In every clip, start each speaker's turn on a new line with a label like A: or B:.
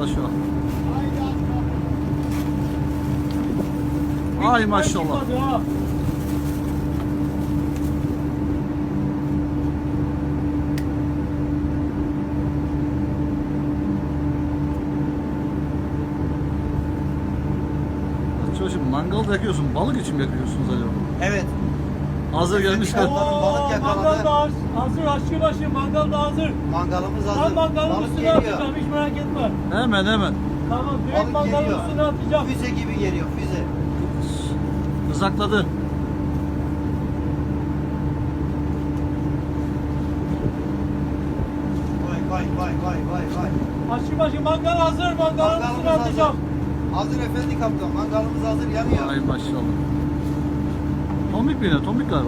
A: şu an. Ay maşallah. Çocuğum mangal yakıyorsun, balık için mi yakıyorsunuz acaba?
B: Evet.
A: Hazır gelmişler.
B: Balık yakaladı.
C: Mangal da hazır, aşçıbaşı mangal da hazır.
B: Mangalımız hazır.
C: Ben mangalın
B: Balık
C: üstüne
B: geliyor.
C: atacağım, hiç merak etme.
A: Hemen.
C: Tamam, direkt
B: Balık
C: mangalın
B: geliyor.
C: üstüne atacağım.
B: Füze gibi geliyor, füze.
A: Izakladı.
B: Vay.
C: Aşçıbaşı mangal hazır, mangalın
B: Mangalımız
C: üstüne
B: hazır.
C: atacağım.
B: Hazır efendi kaptan. Mangalımız hazır, yanıyor.
A: Ay maşallah. Tombik mi yine? Tombik galiba.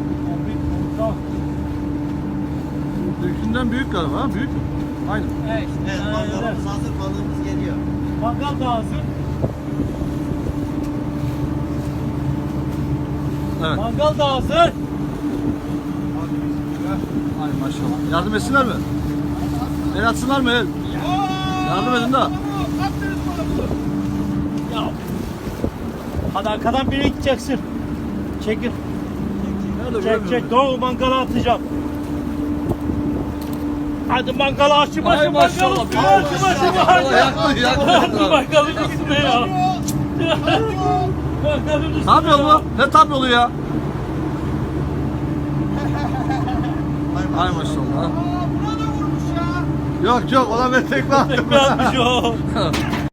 A: Büyükünden büyük galiba. Ha? Büyük mü? Aynı.
C: Evet, işte.
B: Evet, mangalımız hazır, balığımız geliyor.
C: Mangal da hazır.
A: Evet.
C: Mangal da hazır.
B: Hadi bismillah.
A: Ay maşallah. Yardım etsinler mi? El atsınlar mı el? Yardım edin de.
C: Ya. Hadi arkadan biri gideceksin. Çekil. Çek. Doğru mangala atacağım. Hadi mangala aşçıbaşı
A: Ay maşallah.
C: mangalı. Aşçıbaşı mangalı.
A: Yaktı.
C: Mangalın üstüne ya. Mangalın üstüne
A: Tam yolu
C: ya.
A: mu? Ne tam yolu ya? Ay maşallah.
B: Buna da vurmuş ya.
A: Yok ona ben tekme attım.
C: Tekme atmış o.